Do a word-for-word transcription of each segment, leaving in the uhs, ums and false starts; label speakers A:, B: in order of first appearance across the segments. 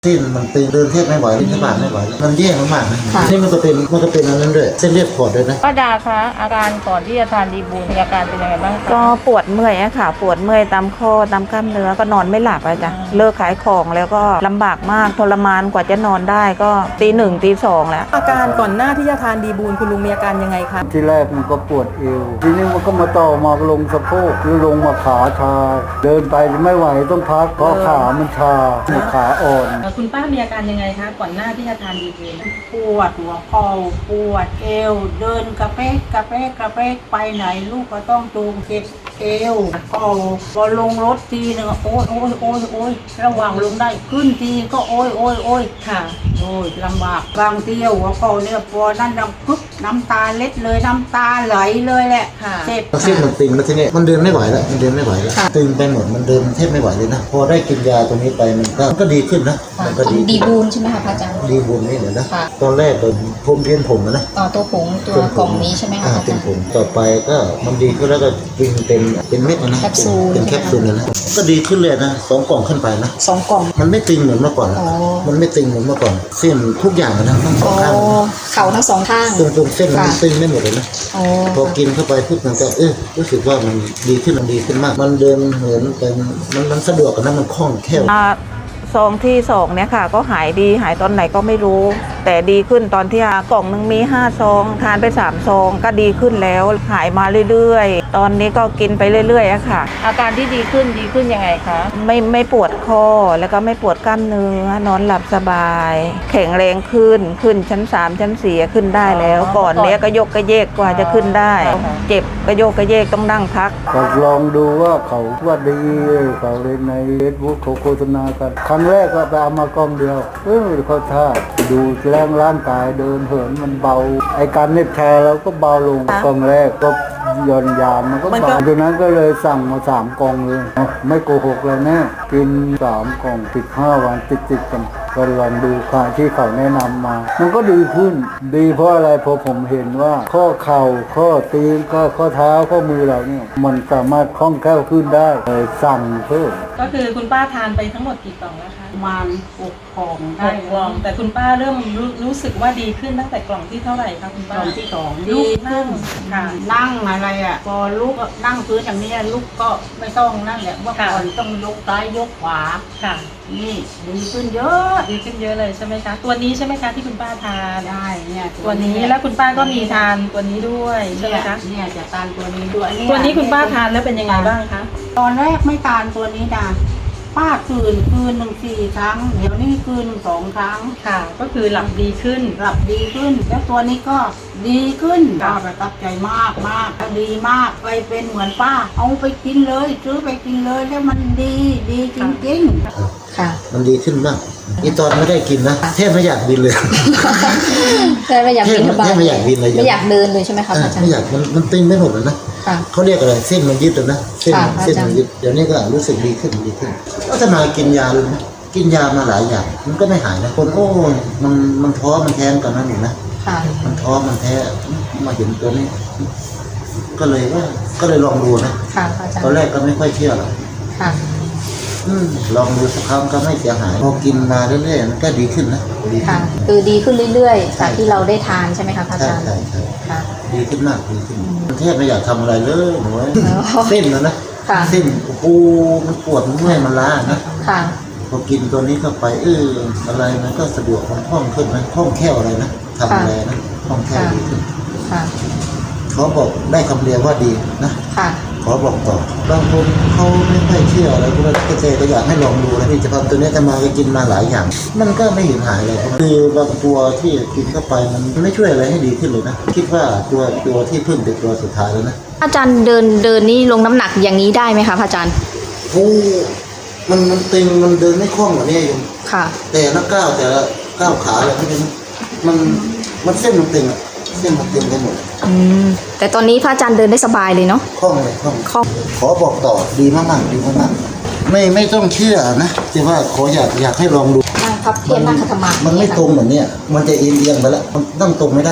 A: ที่มันตึงเดินเทียบไม่ไหวลิ้นสะบาดไม่ไหวมันแย่มากๆนะนี่มันก็เป็นมันก็เป็นอันนั้นด้วยเส้นเลือดขอดด้วยนะ
B: ป้าดาคะอาการก่อนที่จะทานดีบูลมีอาการเป็นยังไงบ้างคะ
C: ก็ปวดเมื่อยอะค่ะปวดเมื่อยตามข้อตามกล้ามเนื้อก็นอนไม่หลับอะจ้ะเลิกขายของแล้วก็ลำบากมากทรมานกว่าจะนอนได้ก็ตีหนึ่งตีสองแล้ว
D: อาการก่อนหน้าที่จะทานดีบูลคุณลุงมีอาการยังไงคะ
E: ที่แรกมันก็ปวดเอวทีนี้มันก็มาต่อมาลงสะโพกหรือลงมาขาชาเดินไปไม่ไหวต้องพักเพราะขามันชาขาอ่อน
D: คุณป้ามีอาการยังไงคะก่อนหน้าที่จะทานดีบูล
F: ปวดหัวเข่าปวดเอวเดินกระเพกกระเพกกระเพกไปไหนลูกก็ต้องจูงเก็บเอวเข่าพอลงรถทีนึงโอ้ยโอ้ยโอ้ยโอ้ยระหว่างลงได้ขึ้นทีก็โอ้ยโอ้ยโอ้ย
D: ค่ะ
F: โอ้ยลำบากบางทีหัวเข่าเนี่ยพอนั่นดังปึ๊บน้ำตาเล็ดเลยน้ำตาไหลเลยแหละเจ็บ
A: เส้นมันตึงแล้วทีนี้มันเดินไม่ไหวแล้วมันเดินไม่ไหวแล้วตึงไปหมดมันเดินแทบไม่ไหวเลยนะพอได้กินยาตัวนี้ไปมันก็ก็ดีขึ้นนะมันก็ดี
G: ดีบูลใช่ไหมคะพระอาจารย์
A: ดีบุญนี่เหรอนะตอนแรกเป็นผมเพี้ยนผมนะ
G: ต่อตัวผงตัวกล่องนี้ใช่ไหมคะพระอาจารย์
A: เป็นผมต่อไปก็มันดีขึ้นแล้วก็กินเป็นเป็นเม็ดนะ
G: แคปซูล
A: เป็นแคปซูลเลยนะก็ดีขึ้นเลยนะสองกล่องขึ้นไปนะ
G: สองกล่อง
A: มันไม่ตึงเหมือนเมื่อก่อนมันไม่ตึงเหมือนเมื่อก่อนเส้นทุกอย่างนะทั้งสองข้าง
G: เข่าทั้งสองข้าง
A: ตรงตรงเส้นมันตึงไม่หมดเลยนะพอกินเข้าไปปุ๊บมันก็เออรู้สึกว่ามันดีขึ้นมันดีขึ้นมากมันเดินเหินเป็นมันมันสะดวกกันนะมันคล่องแคล่ว
C: ซองที่สองเนี่ยค่ะก็หายดีหายตอนไหนก็ไม่รู้แต่ดีขึ้นตอนที่กล่องหนึ่งมีห้าซองทานไปสามซองก็ดีขึ้นแล้วหายมาเรื่อยๆตอนนี้ก็กินไปเรื่อยๆอะค่ะ
B: อาการที่ดีขึ้นดีขึ้นยังไงคะ
C: ไม่ไม่ปวดคอแล้วก็ไม่ปวดกล้ามเนื้อนอนหลับสบายแข็งแรงขึ้นขึ้นชั้นสามชั้นสี่ขึ้นได้แล้วก่อนเนี้ยก็ยกกระเยกกว่าจะขึ้นได้เจ็บกระโยกกระเยกต้องนั่งพัก
E: ก็ลองดูว่าเขาว่าดีเขาเลยในเฟซบุ๊กเขาโฆษณากันครั้งแรกก็ไปเอามากล้องเดียวเออเขาท่าดูแรงร่างกายเดินเหินมันเบาไอการเน็ตแชร์เราก็เบาลงกล่องแรกก็ย่อนยานมันก็เบาดังนั้นก็เลยสั่งมาสามกล่องเลยไม่โกหกเลยแน่กินสามกล่องติดห้าวันติดติดกันก็ลองดูค่ะที่เขาแนะนำมามันก็ดีขึ้นดีเพราะอะไรเพราะผมเห็นว่าข้อเข่าข้อตีนข้อข้อเท้าข้อมือเราเนี่ยมันสามารถคล่องแคล่วขึ้นได้เลยสั่งเพิ่ม
D: ก็คือคุณป้าทานไปทั้งหมดกี่กล่องแล้วคะ
F: ประมาณหกกล่องได้
D: กล่องแต่คุณป้าเริ่มรู้รู้สึกว่าดีขึ้นตั้งแต่กล่องที่เท่าไหร่คะคุณป้าก
F: ล่องที่สองดีขึ้นค่ะนั่งอะไรอ่ะพอลุกนั่งพื้นอย่างนี้ลุกก็ไม่ต้องนั่นแหละเมื่อก่อนต้องยกซ้ายยกขวา
D: ค่ะ
F: นี่ดีขึ้นเยอะ
D: ดีขึ้นเยอะเลยใช่ไหมคะตัวนี้ใช่ไหมคะที่คุณป้าทาน
F: ได้เนี่ย
D: ตัวนี้แล้วคุณป้าก็มีทานตัวนี้ด้วยใช่ไหมคะ
F: เนี่ยจะทานตัวนี้ด้วย
D: ตัวนี้คุณป้าทานแล้วเป็นยังไงบ้างคะ
F: ตอนแรกไม่ทานตัวนี้นะป้าคืนคืนหนึ่งสี่ครั้งเดี๋ยวนี้คืนสองครั้ง
D: ค่ะก็คือหลับดีขึ้น
F: หลับดีขึ้นแล้วตัวนี้ก็ดีขึ้นป้าประทับใจมากมากดีมากไปเป็นเหมือนป้าเอาไปกินเลยซื้อไปกินเลยแล้วมันดีดีจริงๆ
G: ค่ะ
A: มันดีขึ้นมากอีตอนไม่ได้กินนะแทบไม่อยากบินเลย
G: แทบไม่อยากบินแท
A: บไม่อยากบินเลย
G: ไม่อยากเดินเลยใช่ไหมคะอาจารย์
A: ไม่อยากมันมันตึงไม่หมดเลยนะเขาเรียกอะไรเส้นมันยึดเลยนะเส้นเส้นมันยึดเดี๋ยวนี้ก็รู้สึกดีขึ้นดีขึ้นก็จะมากินยาเลยนะกินยามาหลายอย่างมันก็ไม่หายนะคนโอ้มันมันท้อมันแท้กันนั่นเองนะมันท้อมันแท้มาเห็นตัวนี้ก็เลยว่าก็เลยลองดูนะตอนแรกก็ไม่ค่อยเชื่อหรอกลองดูสักครั้งก็ไม่เสียหายพอกินมาเรื่อยๆมันก็ดีขึ้นนะ
G: ดีค่ะคือดีขึ้นเรื่อยๆจากที่เราได้ทานใช่ไหมคะอาจารย์
A: ใช่ใช่ค่ะดีขึ้นมากดีขึ้นมันแทบไม่อยากทำอะไรเลยหนูเส้นแล้วนะเส้นโอ้โหมันปวดมันเมื่อยมันล้านะพอกินตัวนี้เข้าไปเอออะไรมันก็สะดวกมันคล่องขึ้นนะคล่องแคล่วอะไรนะทำอะไรนะคล่องแคล่วดีขึ้นเขาบอกได้คำเรียกว่าดีนะขอบอกต่อบางคนเขาไม่ค่อยเชื่ออะไรพวกนั้นเกษตรก็อยากให้ลองดูนะที่จะทำตัวนี้จะมาก็กินมาหลายอย่างมันก็ไม่เห็นหายเลยคือบางตัวที่กินเข้าไปมันไม่ช่วยอะไรให้ดีขึ้นเลยนะคิดว่าตัวตัวที่พึ่งเป็นตัวสุดท้ายแล้วนะ
G: อาจารย์เดินเดินนี่ลงน้ำหนักอย่างนี้ได้ไหมคะพระอาจารย์
A: โอ้มันมันตึงมันเดินไม่คล่องกว่านี้อยู่
G: ค่ะ
A: แต่ละก้าวแต่ละก้าวขาอะไรที่เป็นมันมันเส้นมันตึงเส้นมันตึงไปหมด
G: อืมแต่ตอนนี้พระอาจารย์เดินได้สบายเลยเนาะ
A: คล่องเลยคล่องคล่องขอบอกต่อดีมากๆดีมากๆไม่ไม่ต้องเชื่อนะแต่ว่าขออยากอยากให้ลองดู
G: นั่งพับเพียบนั่งขัดสมาธิ
A: มันไม่ตรงเหมือนเนี้ยมันจะเอียงๆไปแล้วมันต้องตรงไม่ได้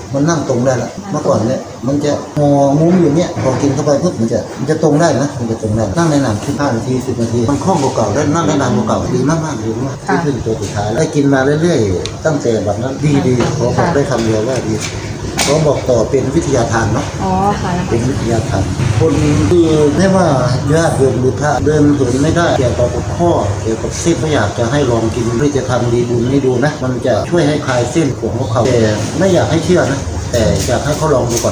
A: มันนั่งตรงได้ละเมื่อก่อนเนี่ยมันจะงอมุ้มอยู่เนี่ยพอกินเข้าไปปุ๊บมันจะมันจะตรงได้นะมันจะตรงได้นั่งได้นานขึ้นห้านาทีสิบนาทีมันคล่องกว่าเก่าได้นั่งได้นานกว่าเก่าดีมากมากดีมากที่ขึ้นตัวสุดท้ายได้กินมาเรื่อยๆตั้งแต่แบบนั้นดีดีขอบอกได้คำเดียวว่าดีขอบอกต่อเป็นวิทยาทานเนาะ
G: อ๋อค่ะ
A: เป็นวิทยาทานคนคือไม่ว่าญาติโยมหรือพระเดินเหินไม่ได้เกี่ยวกับข้อเกี่ยวกับเส้นก็อยากจะให้ลองกินเพื่อจะทำดีบุญให้ดูนะมันจะช่วยให้คลายเส้นของเขาแต่ไม่อยากให้เชื่อนะแต่อยากให้เขาลองดูก่อน